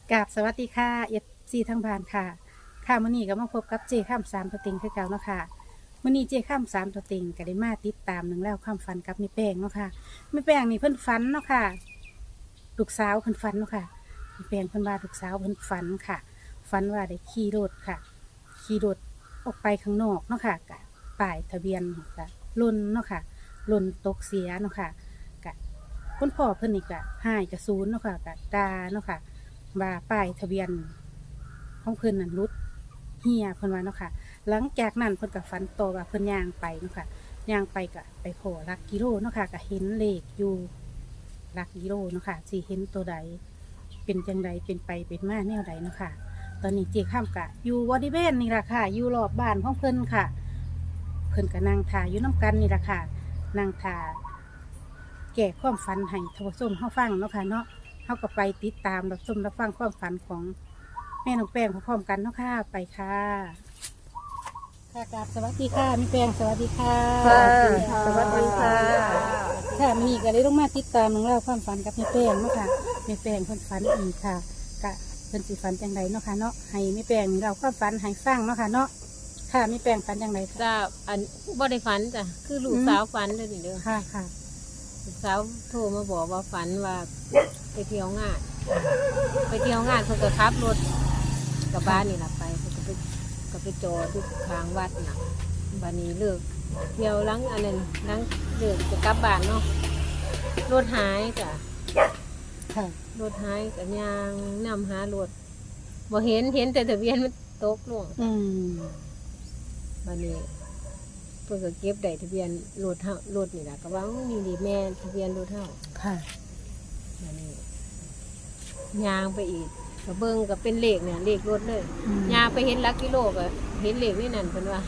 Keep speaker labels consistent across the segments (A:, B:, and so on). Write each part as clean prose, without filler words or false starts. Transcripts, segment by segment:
A: กราบสวัสดีค่ะซีทั้งบ้านค่ะค่ะมื้อนี้ก็มาพบกับเจข้ามสามตัวเต็งคือเก่าเนาะค่ะมื้อนี้เจข้ามสามตัวเต็งก็ได้มาติดตามหนึ่องแล้วความฝันกับแม่แป้งเนาะค่ะแม่แป้งนี่เพิ่นฝันเนาะค่ะลูกสาวเพิ่นฝันเนาะค่ะแม่แป้งเพิ่นว่าลูกสาวเพิ่นฝันค่ะฝันว่าได้ขี่รถค่ะขี่รถออกไปข้างนอกเนาะค่ะกะป้ายทะเบียนกะล่นเนาะค่ะล่นตกเสียเนาะค่ะกะคุณพ่อเพิ่นนี่กะหายกะศูนย์เนาะค่ะกะดาเนาะค่ะ ว่าป้ายทะเบียนของเพิ่นนั่นรุดเฮียเพิ่นว่าเนาะค่ะหลังจากนั้นเพิ่นก็ฝันต่อว่าเพิ่นย่างไปเนาะค่ะย่างไปก็ไปโผล่หลักกิโลเนาะค่ะก็เห็นเลขอยู่หลักกิโลเนาะค่ะสิเห็นตัวใดเป็นจังใดเป็นไปเป็นมาแนวใดเนาะค่ะตอนนี้เจ๊ข้ามกะอยู่บริเวณนี่ล่ะค่ะอยู่รอบบ้านของเพิ่นค่ะเพิ่นก็นั่งท่าอยู่น้ำกันนี่ล่ะค่ะนั่งท่าแก่ความฝันให้ทวส้มเฮาฟังเนาะค่ะเนาะ เขาก็ไปติดตามรับชมรับฟังความฝันของแม่น้องแป้งพร้อมๆกันเนาะค่ะไปค่ะค่ะกราบสวัสดีค่ะแม่แป้งสวัสดีค่ะ
B: ค่ะสวัสดีค่ะ
A: ค่ะมีก็เลยต้องมาติดตามน้องเล่าความฝันกับแม่แป้งเนาะค่ะแม่แป้งเพิ่นฝันอีกค่ะกะเพิ่นสิฝันจังไดเนาะค่ะเนาะให้แม่แป้งเราความฝันให้ฟังเนาะค่ะเนาะค่ะแม่แป้งฝันจังไดค่ะ
B: จ้าอันบ่ได้ฝันจ้ะคือลูกสาวฝันเลยนี่เด้อ
A: ค่ะค่ะ
B: ลูกสาวโทรมาบอกว่าฝันว่าไปเที่ยวงานเพิ่นก็ขับรถกับบ้านนี่ล่ะไปเพิ่นก็ไปจอดที่ข้างวัดน่ะบัดนี้เลิกเที่ยวหลังอันนั้นหลังเลิกจะกลับบ้านเนาะรถหายจ้ะ
A: ค่ะ
B: รถหายก็ย่างนำหารถบ่เห็นแต่ทะเบียนมันตกลง
A: อืม
B: บัดนี้เพิ่นก็เก็บได้ทะเบียนรถนี่ล่ะก็ว่านี่ดิแม่ทะเบียนรถเฮา
A: ค่ะ
B: บัดนี้ย่างไปอีกก็เบิ่งก็เป็นเลขเนี่ยเลขรถเลย
A: อืม
B: ย่างไปเห็นหลักกิโลก็เห็นเลขนี่นั่นเพิ่นว่า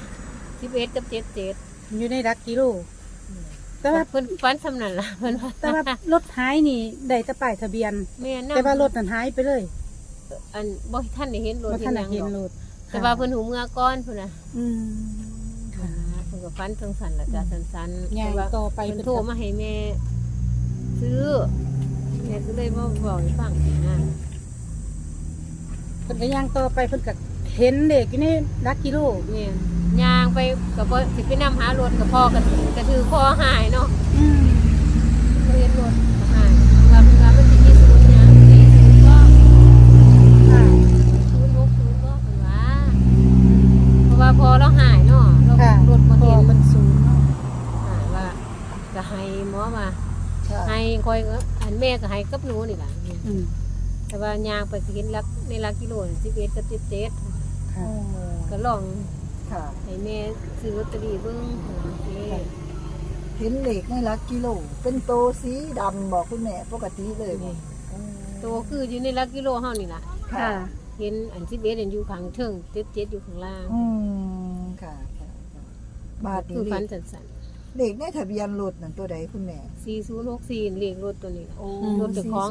B: 11กับ77
A: อยู่ในรักกิโลแต่ว่า
B: เพิ่นฝันสำนั่นล่ะเพิ่นว่า
A: แต่ว่ารถหายนี่ได้แต่ป้ายทะเบียน
B: แม่นำ
A: แต่ว่ารถนั้นหายไปเลย
B: อันบ่ทันได้เห็นรถ
A: ว่าท่านได้เห็น
B: ห
A: ร
B: ยังดอก
A: ถ
B: แต่ว่าเพิ่นหูเมื่อก่อนเพิ่นน่ะ
A: อืมค่ะ
B: เพิ่นก็ฝันจังซั่นล่ะจ้ะสั้นๆ
A: ย่าง
B: แต่ว่า
A: ต่อไป
B: เพิ่นโทรมาให้แม่ซื้อแม่ก็เลยมาบอกให้ฟังนะ
A: เพิ่นก็ย่างต่อไปเพิ่นก็เห็นเด็กอยู่ในรักกิโล
B: เนี่ยย่างไปกับสิไปนำหารถกับพ่อก็ถือคอหายเนาะ
A: อืม
B: เรียนรถก็หายว่ามันสิมีศูนย์หยัง40ก็
A: ค่ะ
B: 060ก็เพิ่นว่าเพราะว่าพอเราหายเนาะเรา
A: ค่ะ
B: รถบ่
A: พอ
B: เห็น
A: มันสูงเนาะ
B: ว่าก็ให้หมอมา
A: ค่ะ
B: ให้คอยอันแม่ก็ให้กับหนูนี่ล่ะ
A: อืม
B: แต่ว่าย่างไปสิเห็นลักในลักกิโล11กับ77
A: ค่ะ
B: ก็ลอง
C: ค่ะ
B: ให้แม่ซื้อลอตเตอรี่เบิ่งโอเค
C: เห็นเหล็กในหลักกิโล เป็นโตสีดำบอกคุณแม่ปกติเลยบ่
B: โตคืออยู่ในลักกิโลเฮานี่ล่ะ
A: ค่ะ
B: เห็นอัน11อันอยู่ข้างเทิง77อยู่ข้างล่าง
C: อืมค่ะค่ะค่ะบาทนี้
B: คือ
C: เห
B: ฟั
C: ล็
B: น
C: ก
B: สั่น
C: เหล็กในทะเบียนรถนั่นตัวใดคุณแม่
B: ๆ4064เลขรถตัวนี้ล่ะ รถเจ้าของ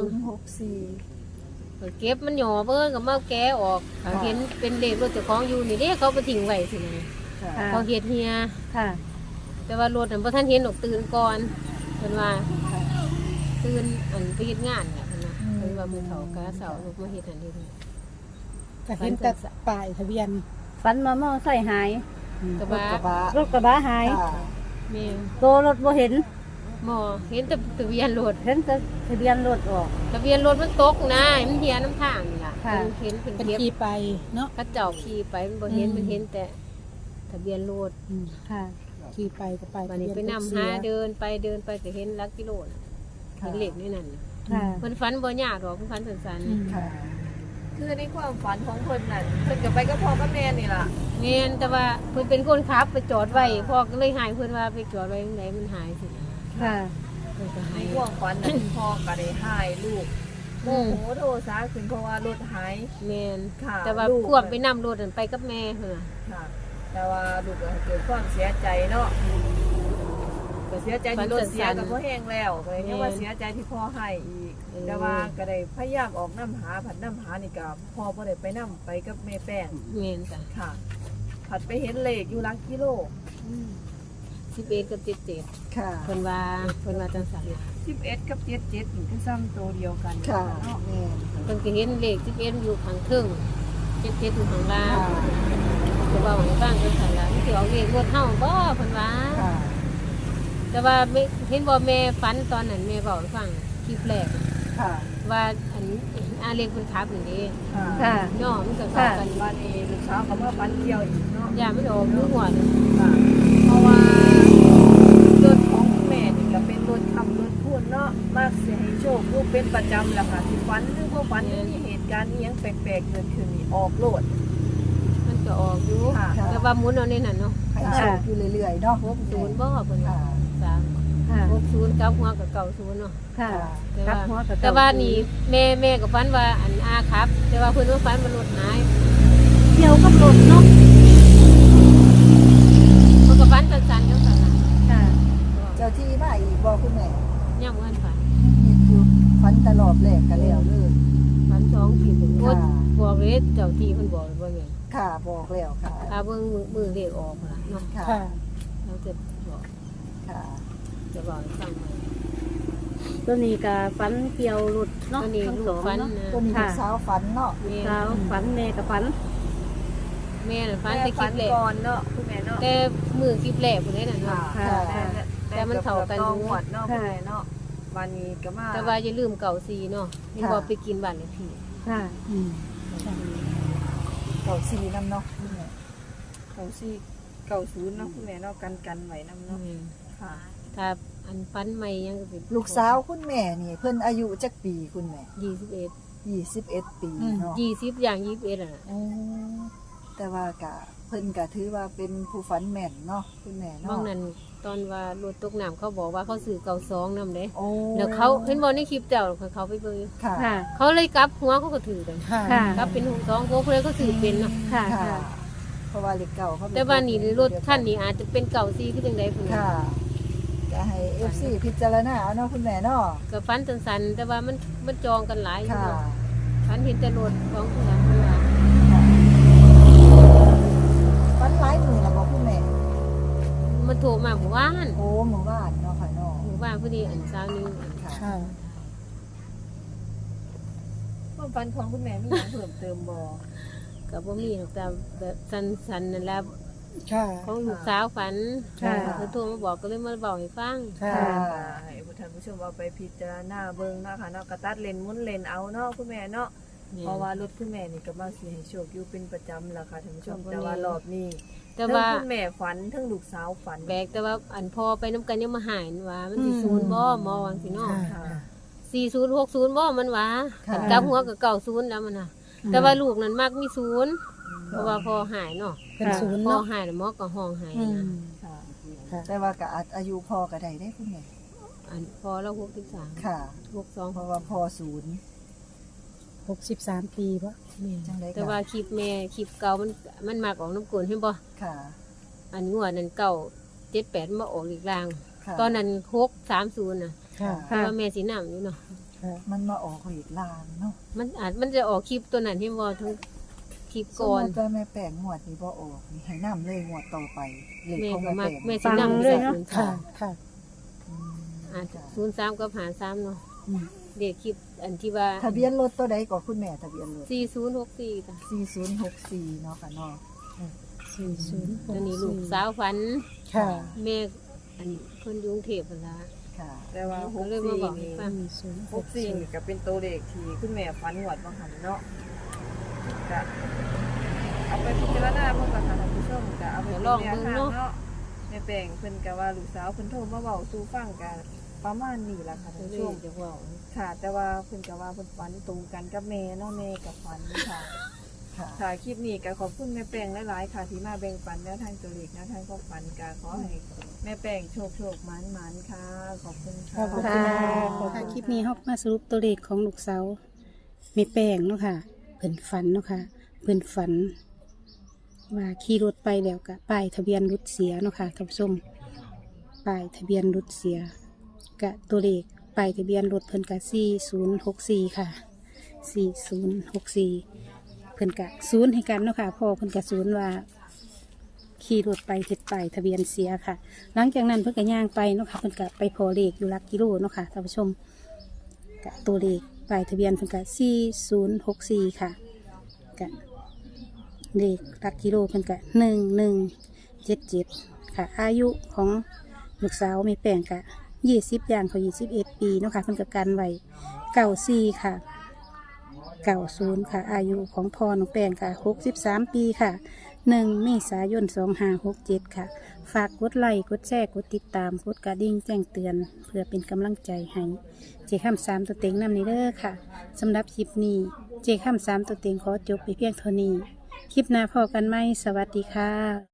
C: 4064
B: เก็บมันหย่อเบิ่งก็มาแกะออก
C: ค่ะ
B: เห็นเป็นเลขรถเจ้าของอยู่นี่เด้เขาไปทิ้งไว้สินะ
C: ค่ะ
A: ค่ะ
B: เขาเฮ็ดเฮีย
A: ค่ะ
B: แต่ว่ารถนั้นบ่ทันเห็นดอกตื่นก่อนเพิ่นว่า
C: ค่ะ
B: ตื่นอันไปเฮ็ดงานเนี่ยเพิ่นว่าเพิ่นว่ามื้อเฒ่ากะเสาร์ลูกมาเฮ็ดอันนี้
A: ก็เห็นแต่ป้ายทะเบียน
D: ฝันมามอใส่หาย
B: แต่
C: รถ
B: ว่าก
C: ระบะ
D: รถกระบะหาย
C: ค่ะ
B: แม่
D: โตรถบ่เห็น
B: หมอเห็นแต่ทะเบียนรถ
D: เห็นแต่ทะเบียนรถออก
B: ทะเบียนรถมันตกนะมันเฮียน้ำทางนี่ล่ะ
D: ค่ะ
B: เห็นเป็น
A: เป็น
B: เทียบ
A: ขี่ไปเนาะ
B: กระเจ้าขี่ไปมันบ่เห็น
A: อืม
B: มันเห็นแต่ทะเบียนรถ
A: อืม
D: ค่ะ
A: ขี่ไปก็ไป
B: วันนี้ไปนำหาเดินไปก็เห็นลักกิโลน่ะเห็นเหล็กนี่นั่นน่ะ
D: ค่ะ
B: เพิ่นฝันบ่ยากหรอกเพิ่นฝันสั้น
A: อืม
C: ค่ะ
E: คือในความฝันของเพิ่นน่ะเพิ่นก็ไปกับพ่อกับแม่นี่ล่ะ
B: ๆแม่นแต่ว่าเพิ่นเป็นคนขับไปจอดไว้พ่อก็เลยหายเพิ่นว่าไปจอดไว้ตรงไหนมันหายสิ
D: ค่ะ
B: เพิ่นก็
E: ใน
B: หาย
E: ความฝันน่ะ พ่อก็ได้หายลูกโมโหโทสาขึ้นเพราะว่ารถหาย
B: แม่น
E: ค่ะ
B: แต่ว่า
E: ลูก
B: ควบไปนำรถนั่นไปกับแม่เพิ่นน่ะ
E: ค่ะ แต่ว่าลูกก็เกิดความเสียใจเนาะก็เสียใจที่รถเสียกับพ่อแห้งแล้วก็เลยเนี่ยว่าเสียใจที่พ่อให้อีก แต่ว่าก็ได้พยายามออกน้ำหาผัดน้ำหานี่ก็พ่อบ่ได้ไปน้ำไปกับแม่แป้ง
B: แม่นจ้ะ
E: ค่ะ ผัดไปเห็นเลขอยู่หลักกิโล
B: 11กับ77
C: ค่ะ
B: เพิ่นว่าจังซั่นน่ะ
E: 11กับ77นี่คือซ้ำตัวเดียวกัน
C: ค่ะ
E: เนาะ
C: แม่น
B: เพิ่นก็เห็นเลข11อยู่ข้างเทิง77อยู่ข้างล่าง
C: ค่ะ
B: ก็เว้าให้ฟังจังซั่นล่ะมันสิเอาเลขรถเฮาบ่เพิ่นว่า
C: ค่ะ
B: แต่ว่าไม่เห็นบ่แม่ฝันตอนนั้นแม่เว้าให้ฟังคลิปแรก
C: ค่ะ
B: ว่าอันอาเลขเพิ่นขับนี่เด้
C: ค่ะ
D: ค่ะ
B: เนาะมันก็เข้ากัน
E: บ้านนี้ลูกสาวก็มาฝันเกี่ยวอีกเนาะ
B: อย่ามันออกมือหัวเลย
E: ค่ะเพราะว่ารถของคุณแม่นี่ก็เป็นรถขับรถพูนเนาะมากสิให้โชคลูกเป็นประจำแหละค่ะสิฝันหรือบ่ฝันมีเหตุการณ์อีหยังแปลกๆเกิดขึ้นนี่ออกโลด
B: มันก็ออกอยู่
E: ค่ะ
B: แต่ว่าหมุนเอาในนั้นเนาะ
C: ให้โชคอยู่เรื่อยๆเนาะ
B: 60บ่เพิ่น
C: ค่ะ
B: ว่า
D: ค่ะ
B: 60กับหัวกับ90เนาะ
D: ค่ะ
B: แต่
D: กลั
B: ว่า
D: บหัวกับ
B: แต่ว่านี่แม่ก็ฝันว่าอันอาครับ แต่ว่าเพิ่นว่าฝันว่ารถหาย
D: เกี่ยวกับรถเนาะ
B: เพิ่นก็ฝันสั้นๆจังซั่นน่ะ
D: ค่ะ
C: เจ้าที่มาอีกบ่คุณแม่
B: ยังบ่ทันฝัน
C: มีอยู่ฝันตลอดแรกกันแล้วเลย
B: ฝัน2ทีเพิ่นโอ๊ย
C: ค่ะ
B: บอกเลยเจ้าที่เพิ่นบอกเลยว่าแม่น
C: ค่ะบอกแล้วค่ะ
B: ถ้าเบิ่งมือเลขออกล่ะเนาะ
C: ค่ะ
A: ค่ะ
B: เราจะบอก
C: ค่ะ
B: จะบอกให้ฟังว่า
D: ตัวนี้ก็ฝันเกี่ยวรถเนาะ
B: ตัวนี้
D: ทั้ง
B: ลู
D: ส
B: ก
D: อง
B: ฝัน
D: เนาะ
B: นะ
C: ตัวนี้ลูกสาวฝันเนาะ
B: แม่
D: สาวฝันแม่กับฝัน
B: แม่น่ะฝัน
E: แม่
B: แต่คลิ
E: ฝั
B: ป
E: น
B: แรก
E: ก่อนเนาะคุณแม่เนาะ
B: แต่มือคลิปแรกพุ่นนี่น่ะเนาะ
C: ค่ะ
B: แต่มันเข้ากัน
E: ต้องหวดเนาะคุณแม่เนาะวันนี้ก็มา
B: แต่ว่าอย่าลืมเก่าซีเนาะนี่บอกไปกินบ้านเลขที่
D: ค่ะ
A: อืม
C: เก่าซีน้ำเนาะคุณแม่
E: 90เนาะคุณแม่เนาะกันไว้นำเนาะค่ะ
B: ถ้าอันฟันใหม่ยังก็สิ
C: ลูกสาวคุณแม่นี่เพิ่นอายุจักปีคุณแม่
B: 21
C: 21 ปีเนาะ
B: 20อย่าง21อ่ะ
C: โอ้แต่ว่ากะเพิ่นก็ถือว่าเป็นผู้ฝันแม่นเนาะคุณแม่
B: บา
C: เนาะ
B: งนั้นตอนว่ารถตกน้ำเขาบอกว่าเขาซื้อเก่า2นำเด้
C: โอ้
B: แล้วเขาเห็นบ่ในคลิปเจ้าเขาไปเบิ่งอยู่
C: ค่ะ
D: ค่ะ
B: เขาเลยกลับหัวเขาก็ถือกัน
A: ค่ะ
D: ค่ะ
B: กลับเป็น62พวกเพิ่นก็ซื้อเป็นเนาะ
D: ค่ะ
C: ค่ะ
D: ค่ะ
C: เพราะว่าเลขเก่าเขาเป็
B: แต่ว่านี่รถคันนี้อาจจะเป็นเก่าซีคือจังไดพุ่นน่ะ
C: ค่ะจะให้ FC พิจารณาเอาเนาะคุณแม่เนาะ
B: ก็ฟันสันๆแต่ว่ามันจองกันหลายอยู่
C: ค่ะ
B: เนาะฟันเห็นแต่รถของเพื่อนเพิ่นว่า
C: ฝันหลายมื้อแล้วบ่คุณแม่
B: มันโทรมาหมู่บ้าน
C: โอ้หมู่บ้านเนาะค่ะเนาะ
B: หมู่บ้านพอดีอันเช้านี้
C: ค่ะ
A: ค่ะ
E: ความฝันของคุณแม่มีหยังเพิ่มเติมบ่
B: ก็บ่มีหรอกแต่แบบสันๆนั่นแหละ
A: ค่ะ
B: ของลูกสาวฝัน
A: ค่ะ
B: เพิ่นโทรมาบอกก็เลยมาบอกให้ฟัง
A: ค่ะ
E: ให้ผู้ท่านผู้ชมเอาไปพิจารณาเบิ่งเนาะค่ะเนาะกระตัดเลนหมุนเลนเอาเนาะคุณแม่เนาะเพราะว่ารถคุณแม่นี่ก็มาสิให้โชคอยู่เป็นประจำล่ะค่ะท่านผู้ชมแต่ว่ารอบนี้
B: แต่
E: ทั้ง
B: ว่า
E: คุณแม่ฝันทั้งลูกสาวฝัน
B: แบกแต่ว่าอันพอไปน้ำกันยังมาหายนั่นว่ามันสิศูนย์บ่หมอวังสิเนาะ
A: ค่ะ
B: 4060บ่มันว่า
C: ค่ะ
B: อันกลับหัวก็เก่าศูนย์แล้วมันน่ะแต่ว่าลูกนั้นมักมีศูนย์เพราะว่าพอหายเนาะ
A: เป็นศูนย์
B: พอ
A: เนาะ
B: หายแล้วหมอก็ห้องหาย
A: อื
B: นะ
A: ม
C: ค่ะ
A: ค่ะ
C: แต่ว่าก็อายุพ่อก็ได้ได้คุณแม่
B: อันพอแล้ว63
C: ค่ะ
B: 62
C: เพราะว่าพ่อศูนย์
A: 63 ปีปะ
C: จังได๋
B: แต่ว่าคลิปแม่คลิปเก่ามันมากออกน้ำกลนเห็นบ่
C: ค่ะ
B: อันงวดนั้นเก่า78มาออกอีกลาง
C: ค่ะ
B: ตอนนั้น630น่ะ
A: ค่ะ
B: เพราะว่าแม่สินำอยู่เนาะ
A: ค่ะ
C: มันมาออกเลขลางเนาะ
B: มันจะออกคลิปตัวนั้นเห็นบ่ทั้งคลิป
C: สม
B: ก่อน
C: มุติว่าแม่แป้งงวดนี้บ่ออกนี่ให้นํเลยงวดต่อไปเลข
B: แม่
C: ของ
B: ก็
C: แม่
B: มัก
C: แป้ง
B: แม่สินำ
D: เลยเนาะ
A: ค่ะ ค่ะ
C: อืม
B: อ่า
C: จ้ะ
B: 03กับ53เนาะ
C: อืม
B: เด็กคลิปอันที่ว่า
C: ทะเบียนรถตัวใดก็คุณแม่ทะเบียนรถ
B: 4064จ้ะ
C: 4064เนาะค่ะเนาะ
A: 40
B: ตัวนี้ลูกสาวฝัน
A: ค่ะ
B: แม่อันคนอยู่กรุงเทพฯนั่นล่ะ
C: ค่ะ
E: แต่ว่า
B: ก็เลยมาบอกให้
E: 64
B: ฟัง
E: 64นี่ก็เป็นตัวเลขที่คุณแม่ฝันหวดบางหันเนาะก็เอาไปพิจารณาเพิ่นก็ค่ะท่านผู้ชมก็เอาไปเป็นแนวทางเนาะแม่แป้งเพิ่นก็ว่าลูกสาวเพิ่นโทรมาเว้าสู่ฟังกันประมาณนี้ล่ะค่ะ
B: ก็
E: ท่าน
B: เล
E: ผู้ช
B: ย
E: ม
B: จะเว้า
E: ค่ะ แต่ว่าเพิ่นก็ว่าเพิ่นฝันตรงกันกับแม่เนาะแม่กับฝันค่ะ
C: ค่ะ
E: ค่ะคลิปนี้ก็ขอบคุณแม่แป้งหลายๆค่ะที่มาแบ่งปันแนวทางตัวเลขแนวทางความฝันก็ขอให้แม่แป้งโชคหมานๆค่ะ ขอบคุณ
A: ข
E: ค่ะ
A: อบคุณค่ะค่ะ คลิปนี้เรามาสรุปตัวเลขของลูกสาวแม่แป้งเนาะค่ะ เพิ่นฝันเนาะค่ะ เพิ่นฝัน ว่าขี่รถไปแล้วก็ป้ายทะเบียนรถเสียเนาะค่ะท่านผู้ชมป้ายทะเบียนรถเสียกะตัวเลขป้ายทะเบียนรถเพิ่นกะ4064ค่ะ4064เพิ่นกะศูนย์ให้กันเนาะค่ะพ่อเพิ่นกะศูนย์ว่าขี่รถไปเฮ็ดป้ายทะเบียนเสียค่ะ หลังจากนั้นเพิ่นก็ย่างไปเนาะค่ะเพิ่นก็ไปพอเลขอยู่หลักกิโลเนาะค่ะท่านผู้ชมกะตัวเลขป้ายทะเบียนเพิ่นก็4064ค่ะกะเลขหลักกิโลเพิ่นก็1177ค่ะอายุของลูกสาวแม่แป้งก็20ย่างเขา21 ปีเนาะค่ะเพิ่นก็กันไว้94ค่ะ90ค่ะอายุของพ่อน้องแป้งค่ะ63 ปีค่ะ1 เมษายน 2567ค่ะฝากกดไลค์กดแชร์กดติดตามกดกระดิ่งแจ้งเตือนเพื่อเป็นกำลังใจให้เจค่ำ3ตัวเต็งนำนี้เด้อค่ะสำหรับคลิปนี้เจค่ำ3ตัวเต็งขอจบไปเพียงเท่านี้คลิปหน้าพอกันไหมสวัสดีค่ะ